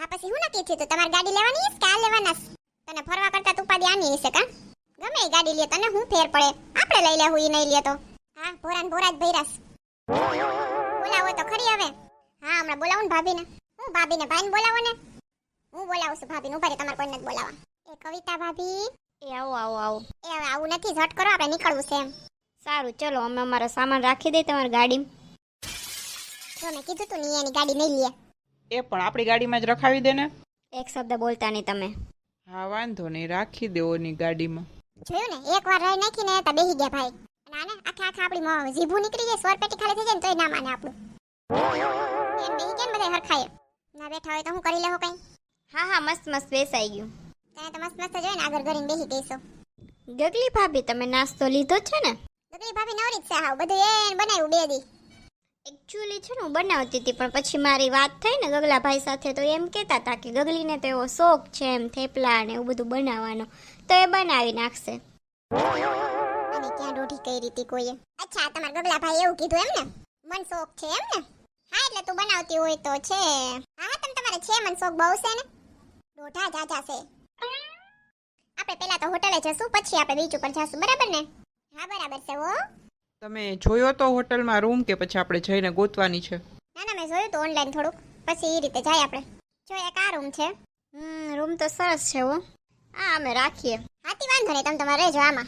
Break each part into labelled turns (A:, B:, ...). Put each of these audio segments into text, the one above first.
A: હા પછી હું નક્કી થયું તું તમારે ગાડી લેવાની છે કે આ લેવાના છે? તને ફરવા કરતા તું ઉપાડી આની હશે કા? ગમે એ ગાડી લે તને હું ફેર પડે, આપણે લઈ લેવું ઈ નહીં લે તો. હા ભોરાન ભોરા જ ભૈરાસ. બોલાવો તો ખરી હવે. હા હમણાં બોલાવું ને ભાભીને. હું ભાભીને ભાઈને બોલાવો ને. હું બોલાવું છું ભાભીને, ઉભા રહે તમારે કોઈને નથી બોલાવા. એ કવિતા ભાભી.
B: એ આવો આવો આવો.
A: એ હવે આવું નથી, ઝટ કરો આપણે નીકળવું છે એમ.
B: સારું ચલો, અમે અમારો સામાન રાખી દઈએ તમારી ગાડીમાં.
A: જો મેં કીધું તું ની એની ગાડી નહીં લે.
C: એ પણ આપણી ગાડીમાં જ રખાવી દે ને.
B: એક શબ્દ બોલતા નહીં તમે.
C: હા વાંધો નહીં, રાખી દેવો ની ગાડીમાં.
A: જોયું ને એકવાર રહી નાખીને તા બેહી ગયા ભાઈ. અને આને આખા આપણી જીભું નીકળી જાય, સ્વર પેટી ખાલી થઈ જાય ને તોય ના માને આપણું. એમ બેહી કેમ બધા હરખાય ના બેઠા હોય તો હું કરી લેવો કઈ.
B: હા હા મસ્ત મસ્ત બેસાઈ ગયું.
A: તને તો મસ્ત મસ્ત જોઈ ને આગળ ઘરીને બેહી ગઈશો.
B: ગગલી ભાભી તમે નાસ્તો લીધો છે ને?
A: ગગલી ભાભી નવરી જ છે, હાવ બધું એને બનાવ્યું બે દી.
B: એકચ્યુઅલી છે ને હું બનાવતી હતી, પણ પછી મારી વાત થઈ ને ગગલાભાઈ સાથે, તો એમ કહેતા હતા કે ગગલીને તો એવો શોખ છે એમ થેપલા ને એવું બધું બનાવવાનો, તો એ બનાવી નાખશે.
A: અને ક્યાં દોઢી કઈ રીતે કોઈએ. અચ્છા તમારા ગગલા ભાઈ એવું કીધું એમ ને? મન શોખ છે એમ ને? હા એટલે તું બનાવતી હોય તો છે. હા તમે તમારે છે મન શોખ બહુ છે ને? દોઢા જાજા છે. આપણે પહેલા તો હોટલે જશું, પછી આપણે બીચ ઉપર જશું, બરાબર ને? હા બરાબર છે હો.
C: તમે જોયો તો હોટલમાં રૂમ કે પછી આપણે જઈને ગોતવાની છે?
A: ના ના મેં જોયું તો ઓનલાઈન થોડુંક, પછી એ રીતે જાય આપણે. જો એક આ રૂમ છે.
B: રૂમ તો સરસ છે હો. હા અમે રાખીએ.
A: હાથી વાંધો નહીં, તમે તમારે રહેજો આમાં.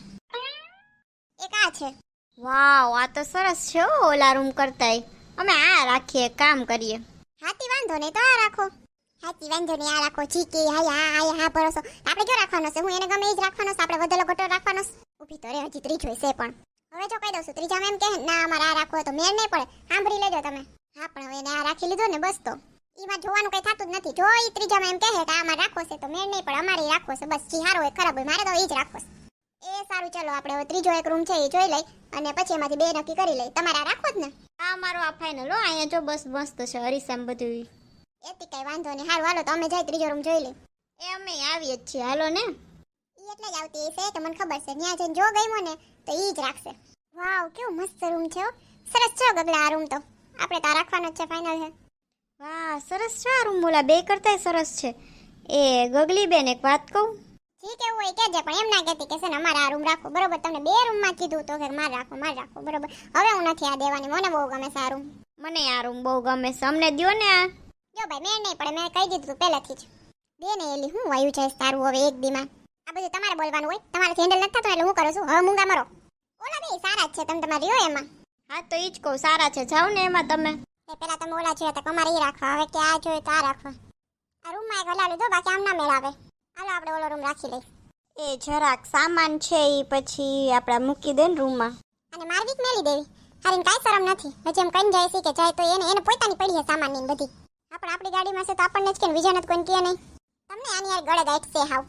A: એક આ છે.
B: વાવ આ તો સરસ છે હો, ઓલા રૂમ કરતાંય. અમે આ રાખીએ, કામ કરીએ.
A: હાથી વાંધો નહીં તો આ રાખો. હાથી વાંધો નહીં આ રાખો. ચીકી હા ભરોસો. આપણે જો રાખવાનો છે, હું એને ગમે એ જ રાખવાનો છે, આપણે વધેલો ઘટો રાખવાનો છે. ઊભી તો રે હજી ત્રીજો છે પણ. હવે જો કહી દઉં છું ત્રીજામાં એમ કહે ના અમારે આ રાખવો તો મેળ નહીં પડે, સાંભળી લેજો તમે. હા પણ હવે એને આ રાખી લીધો ને બસ, તો એમાં જોવાનું કઈ થતું જ નથી. જો એ ત્રીજામાં એમ કહે કે આમાં રાખવો છે તો મેળ નહીં પડે, અમારે રાખવો છે બસ. જી સારો હોય ખરાબ હોય મારે તો એ જ રાખવો છે. એ સારું ચલો આપણે હવે ત્રીજો એક રૂમ છે એ જોઈ લઈ અને પછી એમાંથી બે નક્કી કરી લઈ. તમારે આ રાખવો જ ને?
B: આ મારો આ ફાઇનલ હો. અહીંયા જો બસ મસ્ત છે હરીસામ બધું.
A: એથી કઈ વાંધો નહીં. સારું હાલો તો અમે જાય ત્રીજો રૂમ જોઈ લઈ.
B: એ અમે આવીએ જ છીએ, હાલો ને.
A: ઈ એટલે જ આવતી છે કે મને ખબર છે ત્યાં જઈને જો ગમ્યો ને તો ઈ જ રાખશે. વાવ કેવો મસ્ત રૂમ છે હો. સરસ છે ગગલા આ રૂમ તો. આપણે તો આ રાખવાનો જ છે, ફાઇનલ છે.
B: વાહ સરસ છે આ રૂમ, બોલા બે કરતાંય સરસ છે. એ ગગલી બેન એક વાત કહું?
A: જી કેવું હોય કહેજે, પણ એમ ના કહેતી કે છે ને અમારે આ રૂમ રાખો બરોબર. તમને બે રૂમમાં કીધું તો કે મારે રાખો બરોબર. હવે હું નથી આ દેવાની, મને બહુ ગમે છે આ રૂમ.
B: મને આ રૂમ બહુ ગમે છે, અમને દ્યો ને આ.
A: જો ભાઈ મેં નહીં પડે, મેં કહી દીધું તું પહેલાથી જ. બે ને એલી હું વાયુ છે તારું હવે એક દીમાં. આ બધું તમારે બોલવાનું હોય, તમારે હેન્ડલ નથી થતું એટલે હું કરું છું. હવે મૂંગા મરો. ઓલા બે સારા જ છે, તમે તમારે રહ્યો એમાં.
B: હા તો ઈ જ કહું, સારા છે, જાઓ ને એમાં તમે.
A: પેલા તમે ઓલા જોયા હતા અમારે એ રાખવા, હવે કે આ જોઈએ તો આ રાખવા. આ રૂમમાં એક હલાવી દો, બાકી આમ ના મેળાવે. હાલો આપણે ઓલો રૂમ રાખી લઈ.
B: એ જરાક સામાન છે એ પછી આપડા મૂકી દે ને રૂમમાં.
A: અને મારવી મેલી દેવી. હારીને કાંઈ શરમ નથી. હજી એમ કઈ જાય છે કે જાય તો એને પોતાની પડી છે સામાન ની બધી. આપણે આપણી ગાડીમાં છે તો આપણને જ કે બીજાને તો કોઈને કહે નહીં. તમને આની યાર ગળે ગાંઠ છે હાવ.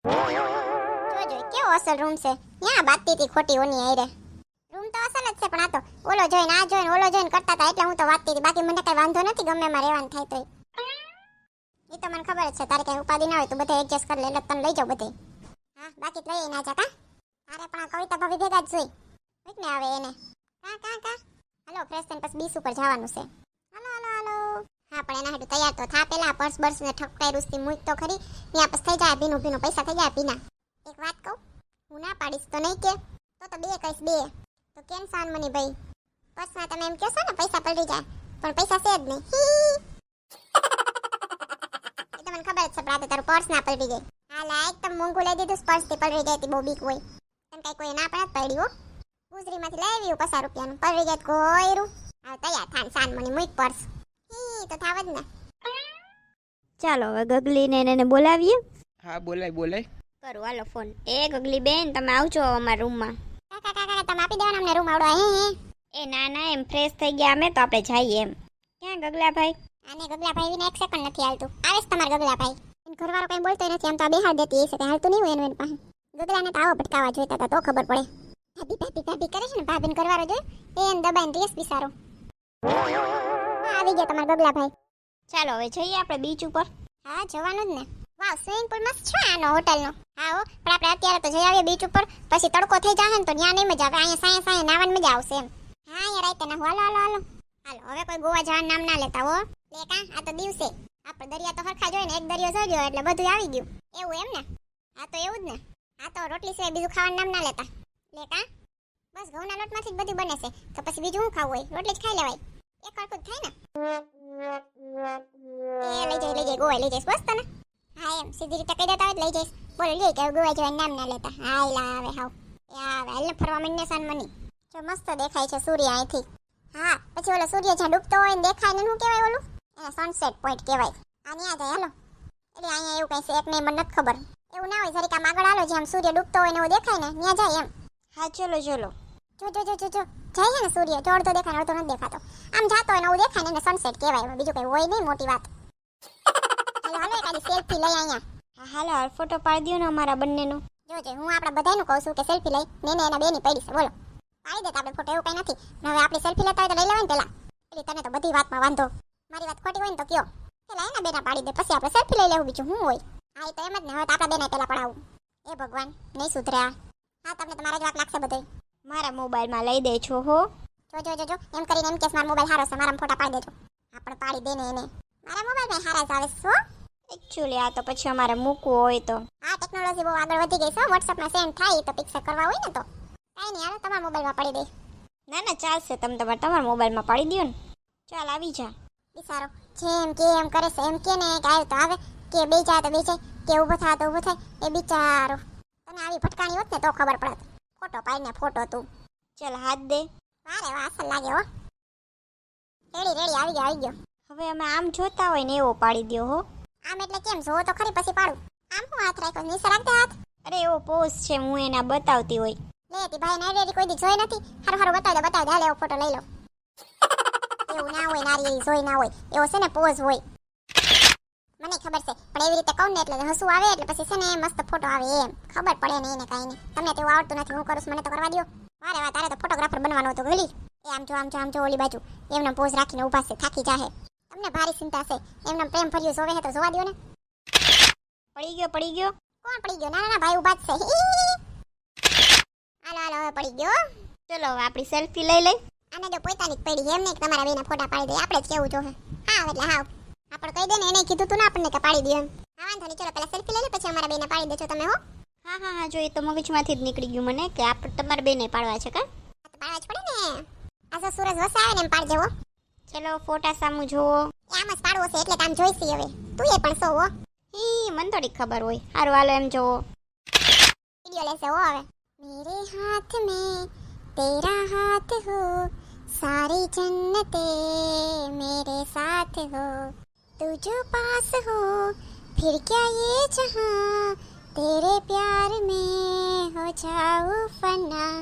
A: જોજો કેવો અસલ રૂમ છે. ત્યાં બાતતી હતી ખોટી ઓની આયરે. રૂમ તો અસલ જ છે પણ આ તો ઓલો જોઈને આ જોઈને ઓલો જોઈને કરતા હતા એટલે હું તો વાતતી હતી. બાકી મને કઈ વાંધો નથી, ગમે એમાં રહેવાનું થાય તોય. એ તો મને ખબર જ છે તારે કઈ ઉપાધિ ના હોય તો બધા એડજસ્ટ કરી લે એટલે તને લઈ જાવ બધે. હા બાકી તો લઈ ના જા કા. તારે પણ આ કવિતા ભાભી ભેગા જ જોઈ હોય ને આવે એને. કા હાલો ફ્રેશ થઈને પછી બીસ ઉપર જવાનું છે. હાલો હા પણ એના હાટુ તૈયાર તો થા પેલા. પર્સ બર્સ ને ઠપકાઈ રૂસથી મૂક તો ખરી. ત્યાં પછી થઈ જાય ભીનું પૈસા થઈ જાય ભીના. એક વાત કહું, હું ના પાડીશ તો નહીં કે તો બે કહીશ બે. તો કેમ સાન મની ભાઈ પર્સમાં તમે એમ કહેશો ને પૈસા પલળી જાય, પણ પૈસા છે જ નહીં. એ તો મને ખબર જ છે પણ તારું પર્સ ના પલળી જાય. હા લા એકદમ મોંઘું લઈ દીધું, પર્સ થી પલળી જાય બહુ બીક હોય. તને કઈ કોઈ ના પડે પડી હો. ગુજરીમાંથી લઈ આવ્યું 50 રૂપિયાનું, પલળી જાય કોયરું. હવે તૈયાર થાન સાન મની મૂક પર્સ. તો થાવ જ ને.
B: ચાલો હવે ગગલીને એને બોલાવીએ.
C: હા બોલાય.
B: કરું હાલો ફોન. એ ગગલી બેન તમે આવજો અમારા રૂમમાં.
A: કાકા તમે આપી દેવાના અમને રૂમ આવડો.
B: એ ના એમ ફ્રેશ થઈ ગયા અમે તો આપણે જઈએ એમ. ક્યાં ગગલાભાઈ?
A: આને ગગલાભાઈ ને એક સેકન્ડ નથી હાલતું. આવે છે તમારા ગગલાભાઈ. એન ઘરવાળો કઈ બોલતો નથી, આમ તો આ બેહાડ દેતી એ છે કઈ હાલતું નહીં હોય એનું પાસે. ગગલાને તો આવો ભટકાવા જોઈતા હતા તો ખબર પડે. ભાભી કરે છે ને, ભાભીને ઘરવાળો જોઈ એને દબાઈને રેસ બિસારો. આવી ગયા તમારા ગગલાભાઈ.
B: ચાલો હવે જઈએ આપણે બીચ ઉપર.
A: હા જવાનું જ ને. વાવ સ્વિમિંગ પૂલ મસ્ત છે આનો હોટલનો. હા હો પણ આપણે અત્યારે તો જઈ આવીએ બીચ ઉપર, પછી તડકો થઈ જાય ને તો ત્યાં નહીં મજા આવે. અહીંયા સાંય નાવાની મજા આવશે એમ. હા અહીંયા રાતે ના હાલો હવે કોઈ ગોવા જવાનું નામ ના લેતા હો. લે કા આ તો દિવસે આપણે દરિયા તો હરખા જોઈએ ને, એક દરિયો જોજો એટલે બધું આવી ગયું. એવું એમ ને? હા તો એવું જ ને. આ તો રોટલી સિવાય બીજું ખાવાનું નામ ના લેતા. લે કા? બસ ઘઉંના લોટમાંથી જ બધું બને છે. તો પછી બીજું શું ખાવું હોય? રોટલી જ ખાઈ લેવાય. એક હરખું જ થાય ને. એ લઈ જાય ગોવાઈ લઈ જઈશ બસ તને. હા એમ સીધી રીતે કહી દેતા હોય લઈ જઈશ. બોલો લઈ કે ગોવાઈ જવાનું નામ ના લેતા. હા એલા આવે હાવ. એ આવે હાલ ફરવા માંડને સન મની. જો મસ્ત દેખાય છે સૂર્ય અહીંથી. હા પછી ઓલો સૂર્ય જ્યાં ડૂબતો હોય ને દેખાય ને શું કહેવાય ઓલું? એને સનસેટ પોઈન્ટ કહેવાય. આ ન્યા જાય હાલો. એટલે અહીંયા એવું કઈ છે એક ને મને નથી ખબર. એવું ના હોય જરીક આમ આગળ હાલો જ્યાં સૂર્ય ડૂબતો હોય ને એવું દેખાય ને ન્યા જાય એમ.
B: હા ચલો ચલો.
A: જો જાય છે ને સૂર્ય જો અડધો દેખાય અડધો નથી દેખાતો. આમ જાતો હોય ને એવું દેખાય ને એને સનસેટ કહેવાય. બીજું કઈ હોય નહીં મોટી વાત. હાલો હાલો એકાદી સેલ્ફી લઈ અહીંયા.
B: હા હાલો હાલ ફોટો પાડી દો ને અમારા બંનેનો.
A: જોજે હું આપણા બધાયનું કહું છું કે સેલ્ફી લઈ ને એના બેની પડી છે બોલો. પાડી દેતા આપણે ફોટો એવું કઈ નથી. હવે આપણી સેલ્ફી લેતા હોય તો લઈ લેવાય ને પેલા. એટલે તને તો બધી વાતમાં વાંધો. મારી વાત ખોટી હોય ને તો કયો. પેલા એના બેના પાડી દે પછી આપણે સેલ્ફી લઈ લેવું બીજું શું હોય. હા એ તો એમ જ ને હવે તો આપણા બેને પેલા પડાવું. એ ભગવાન નહીં સુધર્યા. હા તમને તમારા જ વાત લાગશે બધે.
B: મારા મોબાઈલમાં લઈ દે છો હો.
A: જો એમ કરીને એમ કેસ મારો મોબાઈલ હારો છે મારા ફોટા પાડી દેજો. આપણે પાડી દે ને એને. મારા મોબાઈલમાં હારા જ આવે છે હો.
B: એકચ્યુઅલી આ તો પછી અમારે મૂકવું હોય તો.
A: હા ટેકનોલોજી બહુ આગળ વધી ગઈ છે. WhatsAppમાં સેન્ડ થાય તો પિક્ચર કરવા હોય ને તો કાઈ નહીં હાલો તમારા મોબાઈલમાં પાડી દે.
B: ના ના ચાલશે તમે તમારા મોબાઈલમાં પાડી દો ને. ચાલ આવી જા.
A: બિચારો જેમ કે એમ કરે છે એમ કે ને કે આવે તો આવે કે બે જાય તો બે જાય કે ઊભો થાય તો ઊભો થાય. એ બિચારો તને આવી ભટકાણી હોત ને તો ખબર પડત. ફોટો પાડીને ફોટો તું.
B: ચાલ હાથ દે.
A: વારે વાહ અસલ લાગે હો. રેડી આવી ગયો.
B: હવે અમે આમ જોતા હોય ને એવો પાડી દો હો.
A: આમ એટલે કેમ જોવો તો ખરી પછી પાડું. આમ હું હાથ રાખ્યો નીચે રાખ દે હાથ.
B: અરે એવો પોઝ છે હું એના બતાવતી હોય.
A: લેતી ભાઈ નારી કોઈ દી જોઈ નથી. હારું બતાવી દે હાલ એવો ફોટો લઈ લો. એવું ના હોય નારી જોઈ ના હોય એવો છે ને પોઝ હોય. મને ખબર છે પણ એવી રીતે કહું ને એટલે હસવું આવે એટલે પછી છે ને મસ્ત ફોટો આવે એમ ખબર પડે ને એને કાંઈ નહીં. તમને તેવું આવડતું નથી હું કરું છું મને તો કરવા દો. વારે વાહ તારે તો ફોટોગ્રાફર બનવાનો હતો ગલી. એ આમ જો ઓલી બાજુ એમના પોઝ રાખીને ઊભા છે થાકી જાહે. તમને ભારી ચિંતા છે એમના પ્રેમ ભર્યું જોવે છે તો જોવા દો ને.
B: પડી ગયો.
A: કોણ પડી ગયો? ના ભાઈ ઊભા જ છે. હાલો હવે પડી ગયો.
B: ચલો હવે આપણી સેલ્ફી લઈ લઈ.
A: આને જો પોતાની જ પડી એમ નહીં કે તમારા બેના ફોટા પાડી દે. આપણે જ કેવું જોહે. હા એટલે હાવ આપણે કહી દે ને એને કીધું તું ને આપણને કે પાડી દે એમ. હા વાંધો નહીં ચલો પેલા સેલ્ફી લઈ લે પછી અમારા બેને પાડી દેજો તમે હો.
B: હા જો એ તો મગજમાંથી જ નીકળી ગયું મને કે આપણે તમારે બેને પાડવા છે કા.
A: પાડવા જ પડે ને. આ જો સૂરજ વસે આવે ને એમ પાડજે હો.
B: ચલો ફોટા સામું જોવો.
A: આમ જ પાડવો છે એટલે તામ જોઈશી હવે. તું એ પણ સો હો.
B: મને થોડી ખબર હોય. હારું હાલો એમ જોવો.
A: વિડિયો લેશે હો હવે. મેરે હાથ મેં તેરા હાથ હો સારી જન્નતે મેરે સાથ હો તું જો પાસ હો फिर क्या ये जहां तेरे प्यार में हो जाऊं फना.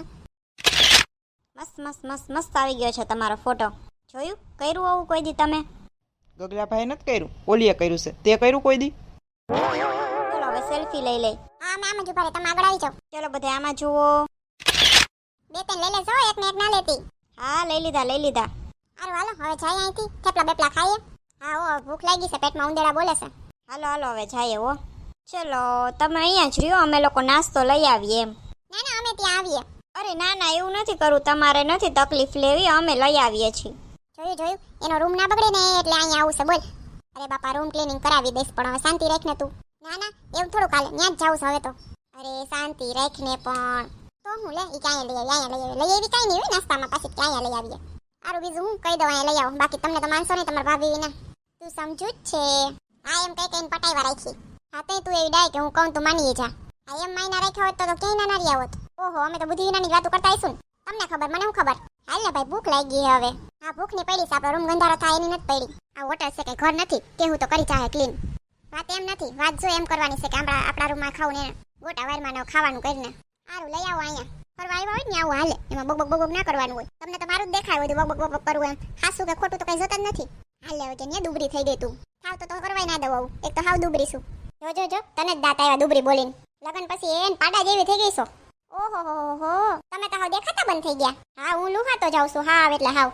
B: મસ્ત આવી ગયો છે તમારો ફોટો. જોયું કર્યું આવું કોઈ દી તમે?
C: ગગલાભાઈ નથી કર્યું, ઓલીએ કર્યું છે. તે કર્યું કોઈ દી?
B: ચલો હવે સેલ્ફી લઈ લે.
A: હા મેં આમ જ ઉભા રહે તમે આગળ આવી જાઓ.
B: ચલો બધા આમાં જુઓ.
A: બે ત્રણ લઈ લેજો એક ને એક ના લેતી.
B: હા લઈ લીધા.
A: હારું હાલો હવે જાય અહીંથી થેપલા બેપલા ખાઈએ. હા ઓ ભૂખ લાગી છે પેટમાં ઉંદેડા બોલે છે.
B: હાલો હવે જઈએ હો. ચલો તમે અહીંયા જ રહ્યો અમે લોકો નાસ્તો લઈ આવીએ એમ.
A: ના અમે ત્યાં આવીએ.
B: અરે ના એવું નથી કરવું તમારે નથી તકલીફ લેવી અમે લઈ આવીએ છીએ.
A: જોયું એનો રૂમ ના બગડે ને એટલે અહીંયા આવું છે બોલ. અરે બાપા રૂમ ક્લીનિંગ કરાવી દઈશ પણ હવે શાંતિ રાખ ને તું. ના એવું થોડું કાલે ત્યાં જ જાવું છે હવે તો. અરે શાંતિ રાખ ને પણ તો હું લે ઈ ક્યાં લઈ આવી કાઈ નહીં હોય નાસ્તામાં પાછી ક્યાં લઈ આવીએ. સારું બીજું હું કહી દઉં અહીંયા લઈ આવો બાકી તમને તો માનશો નહીં તમારા ભાભી વિના. તું સમજુ જ છે. હા એમ કઈ પટાઈવા રાખી. હા તો તું એવી ડાય કે હું કહું તું માનીએ જા. હા એમ માયના રાખ્યા હોત તો ક્યાંય ના રહ્યા હોત. ઓહો અમે તો બુદ્ધિ વિનાની વાતો કરતા આવીશું ને. તમને ખબર મને શું ખબર. હાલ ને ભાઈ ભૂખ લાગી હવે. હા ભૂખની પડી છે આપણો રૂમ ગંધારો થાય એની નથી પડી. આ હોટલ છે કે ઘર નથી કેવું તો કરી ચાહે ક્લીન. વાત એમ નથી વાત જો એમ કરવાની છે કે આપણા રૂમમાં ખાવું ને ગોટા વારમાં ન ખાવાનું કરીને. સારું લઈ આવો અહીંયા ફરવા આવ્યા હોય ને આવું હાલે એમાં બગ ના કરવાનું હોય. તમને તો મારું જ દેખાય બધું બગ કરવું એમ. હાસું કે ખોટું તો કઈ જોતા જ નથી. હાલ હવે કે ને દુબળી થઈ ગઈ તું. થાવ તો કરવાય ના દઉં એક તો હાવ દુબળી છું. જો તને જ દાંત આવ્યા દુબળી બોલીને. લગન પછી એન પાડા જેવી થઈ ગઈ છો. ઓહો તમે તો હાવ દેખાતા બંધ થઈ ગયા. હા હું લુહાતો જાઉં છું હાવ એટલે હાવ.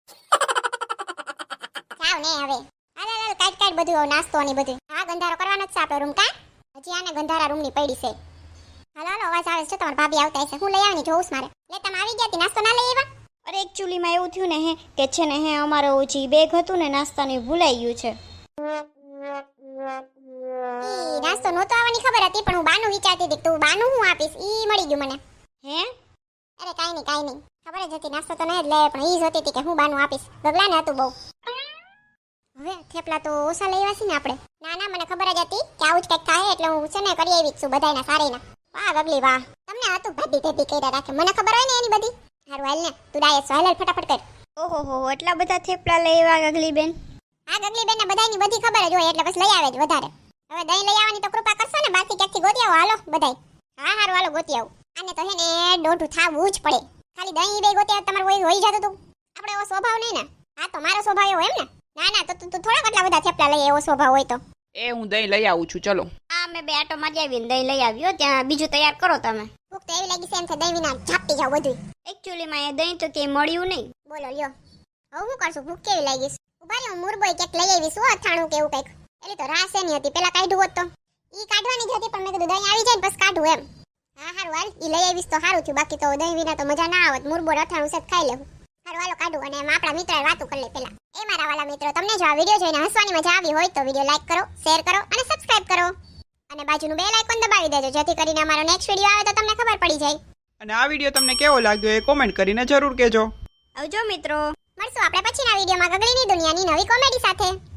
A: જાવ ને હવે હાલ કાઢ બધું નાસ્તો ને બધું. હા ગંધારો કરવાનો જ છે આપણો રૂમ કા. હજી આને ગંધારા રૂમની પડી છે. હાલો અવાજ આવે છે તમારા ભાભી આવતા હશે. હું લઈ આવવાની જોઉં મારે. લે તમે આવી ગયા નાસ્તો ના લઈ આવ્યા?
B: અરે એકચ્યુઅલીમાં એવું થયું ને કે છે ને અમારો જે બેગ હતું ને નાસ્તાનું ભૂલાઈ ગયું છે.
A: ઈ નાસ્તો નહોતો આવવાની ખબર હતી પણ હું બાનું વિચારતી હતી કે તું બાનું હું આપીશ ઈ મળી ગયું મને.
B: હે
A: અરે કાઈ નહીં ખબર જ હતી નાસ્તો તો નહીં જ લે પણ ઈ જોતી હતી કે હું બાનું આપીશ. ગગલાને હતું બહુ. હવે થેપલા તો ઓછા લઈ આવ્યા છે ને આપણે. ના મને ખબર જ હતી કે આવું જ કંઈક થાય એટલે હું છે ને કરી આવી જ છું બધાયના સારેના. વાહ ગગલી વાહ, તમને હતું ભાભી કર્યા રાખે, મને ખબર હોય ને એની બધી. હારું હાલ ને તું ડાયસ હાલ ફટાફટ કર.
B: ઓહો હો એટલા બધા થેપલા લઈ આવ્યા ગગલી બેન.
A: હા ગગલી બેન ને બધાયની બધી ખબર જ હોય એટલે બસ લઈ આવે જ વધારે. હવે દહીં લઈ આવવાની તો કૃપા કરશો ને, બાકી ક્યાંકથી ગોતી આવો હાલો બધાય. હા હારું હાલો ગોતી આવું. આને તો હે ને દોઢું થાવું જ પડે. ખાલી દહીં બે ગોતી આવ તમારું હોય જતું તું. આપણે એવો સ્વભાવ નહીં ને. હા તો મારો સ્વભાવ એવો એમ ને. ના તો તું થોડા કેટલા બધા થેપલા લઈ એવો સ્વભાવ હોય તો.
C: એ હું દહીં લઈ આવું છું, ચલો.
B: હા મેં બે આટો મારી આવીને દહીં લઈ આવ્યો, ત્યાં બીજું તૈયાર કરો તમે.
A: ભૂખ તો એવી લાગી છે એમ છે દહીં વિના ઝાપટી જાવ બધું.
B: એકચ્યુઅલીમાં એ દહીં તો ક્યાંય મળ્યું નહીં.
A: બોલો લ્યો હવે હું કરશું, ભૂખ કેવી લાગી છે. ઉભા રહ્યો મુરબોય ક્યાંક લઈ આવી શું અથાણું કે એવું કંઈક. એટલે તો રાસ એની હતી પેલા કાઢ્યું હોત તો. ઈ કાઢવાની જ હતી પણ મેં કીધું દહીં આવી જાય ને બસ કાઢું એમ. હા હારું હાલ ઈ લઈ આવીશ તો સારું થયું, બાકી તો દહીં વિના તો મજા ના આવત. મુરબો અથાણું છે ખાઈ લેવું. હારું હાલો કાઢું અને એમ આપણા મિત્ર વાતો કરી લે પેલા. એ મારા વાલા મિત્રો તમને જો આ વિડીયો જોઈને હસવાની મજા આવી હોય તો વિડીયો લાઈક કરો, શેર કરો અને સબસ્ક્રાઇબ કરો. અને બાજુનું બેલ આઇકોન દબાવી દેજો જેથી કરીને અમારો નેક્સ્ટ વિડીયો આવે તો તમને ખબર પડી જાય.
C: અને આ વિડીયો તમને કેવો લાગ્યો એ કોમેન્ટ કરીને જરૂર કહેજો.
B: આવજો મિત્રો.
A: મળશું આપણે પછીના વિડીયોમાં ગગલીની દુનિયાની નવી કોમેડી સાથે.